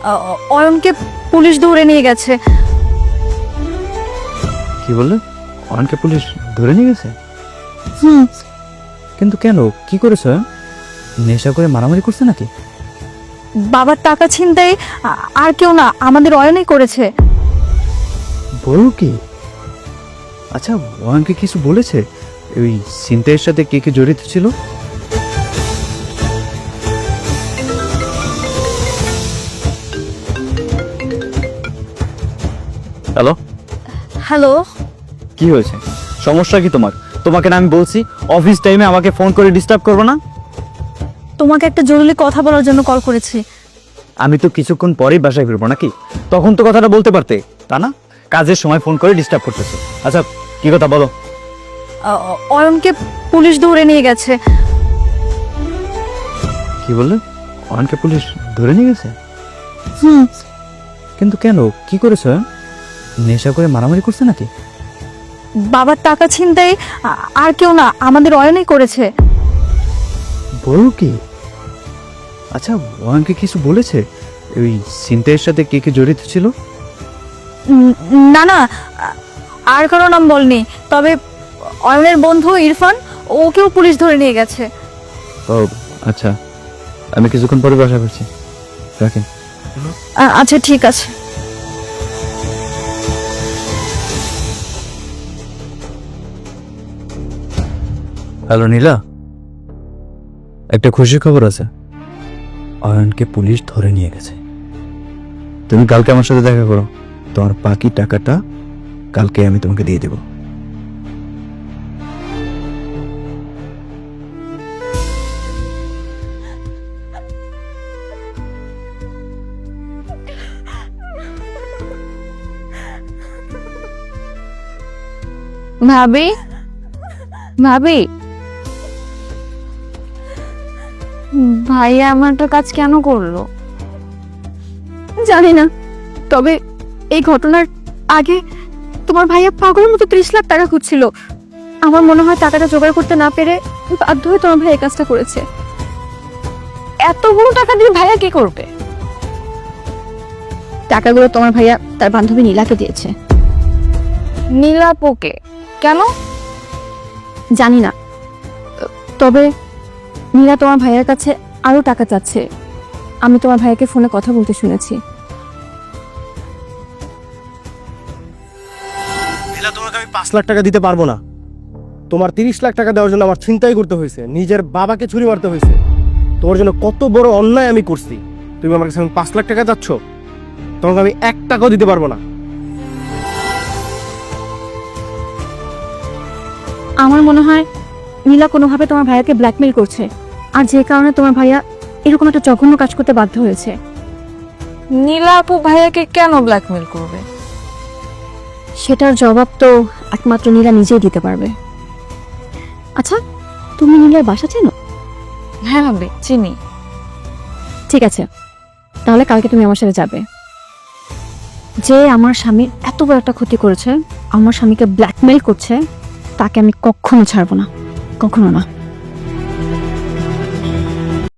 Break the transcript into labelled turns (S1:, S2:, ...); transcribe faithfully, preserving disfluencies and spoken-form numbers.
S1: অয়নকে police ধরে নিয়ে গেছে।
S2: কি বললে? অয়নকে পুলিশ ধরে নিয়ে গেছে?
S1: হুম।
S2: কিন্তু কেন, কি করেছে? নেশা করে মারামারি করছে নাকি?
S1: বাবার টাকা ছিনতাই আর কেউ না, আমাদের অয়নই করেছে।
S2: বলো কি? আচ্ছা, অয়নকে কিছু বলেছে ওই ছিনতাইয়ের সাথে কে কে জড়িত ছিল? হ্যালো
S1: হ্যালো,
S2: কি হয়েছে? সমস্যা কি তোমার? তোমাকে না আমি বলছি অফিস টাইমে আমাকে ফোন করে ডিস্টার্ব করবে না?
S1: তোমাকে একটা জরুরি কথা বলার জন্য কল করেছি।
S2: আমি তো কিছুক্ষণ পরেই বাসায় ফিরবো নাকি, তখন তো কথাটা বলতে পারতে, তা না? কাজের সময় ফোন করে ডিস্টার্ব করতেছে। আচ্ছা, কি কথা বলো।
S1: অয়নকে পুলিশ ধরে নিয়ে গেছে।
S2: কি বললে? অয়নকে পুলিশ ধরে নিয়ে গেছে?
S1: হুম।
S2: কিন্তু কেন, কি করেছে? নেশা করে মারামারি করছে নাকি?
S1: বাবার টাকা ছিনতাই আর কেউ না, আমাদের অয়নই করেছে।
S2: বলো কি? আচ্ছা, অয়নকে কিছু বলেছে ওই ছিনতাইয়ের সাথে কে কে জড়িত ছিল?
S1: না না, আর কারো নাম বলনি, তবে অয়নের বন্ধু ইরফান, ওকেও পুলিশ ধরে নিয়ে গেছে।
S2: ও আচ্ছা, আমি কিছুক্ষণ পরে বাসা করছি, রাখেন।
S1: আচ্ছা ঠিক আছে।
S2: হ্যালো নীলা, একটা খুশি খবর আছে। অয়নকে পুলিশ ধরে নিয়ে গেছে। তুমি কালকে আমার সাথে দেখা করো, তোমার বাকি টাকাটা কালকে আমি তোমাকে দিয়ে দেব।
S1: ভাবি, ভাবি, ভাইয়া আমারটা কাজ কেন করলো জানি না, তবে এই ঘটনার আগে তোমার ভাইয়া পাগলের মতো ত্রিশ লাখ টাকা খুঁজছিল। আমার মনে হয় টাকাটা জোগাড় করতে না পেরে বাধ্য হয়ে তোমার ভাই এই কাজটা করেছে। এতগুলো টাকা দিয়ে ভাইয়া কি করবে? টাকাগুলো তোমার ভাইয়া তার বান্ধবী নীলাকে দিয়েছে। নীলাপোকে কেন জানি না, তবে নীলা তোমার ভাইয়ের কাছে আরো টাকা চাচ্ছে। আমি তোমার ভাইয়াকে ফোনে কথা বলতে শুনেছি।
S3: নীলা, তোমাকে আমি পাঁচ লাখ টাকা দিতে পারবো না। তোমার তিরিশ লাখ টাকা দেওয়ার জন্য আমার ছিনতাই করতে হয়েছে, নিজের বাবাকে ছুরি মারতে হয়েছে। তোমার জন্য কত বড় অন্যায় আমি করছি, তুমি আমার কাছে পাঁচ লাখ টাকা চাচ্ছ? তোমাকে আমি এক টাকাও দিতে পারবো না।
S1: আমার মনে হয় নীলা কোনোভাবে তোমার ভাইয়াকে ব্ল্যাকমেল করছে, আর যে কারণে তোমার ভাইয়া এরকম একটা জঘন্য কাজ করতে বাধ্য হয়েছে।
S4: নীলা আপু ভাইয়াকে কেন ব্ল্যাকমেল করবে?
S1: সেটার জবাব তো একমাত্র নীলা নিজেই দিতে পারবে। আচ্ছা, তুমি নীলার বাসা চেনো?
S4: হ্যাঁ ভাবি, চিনি।
S1: ঠিক আছে, তাহলে কালকে তুমি আমার সাথে যাবে। যে আমার স্বামীর এত বড় একটা ক্ষতি করেছে, আমার স্বামীকে ব্ল্যাকমেল করছে, তাকে আমি কখনো ছাড়বো না, কখনো না।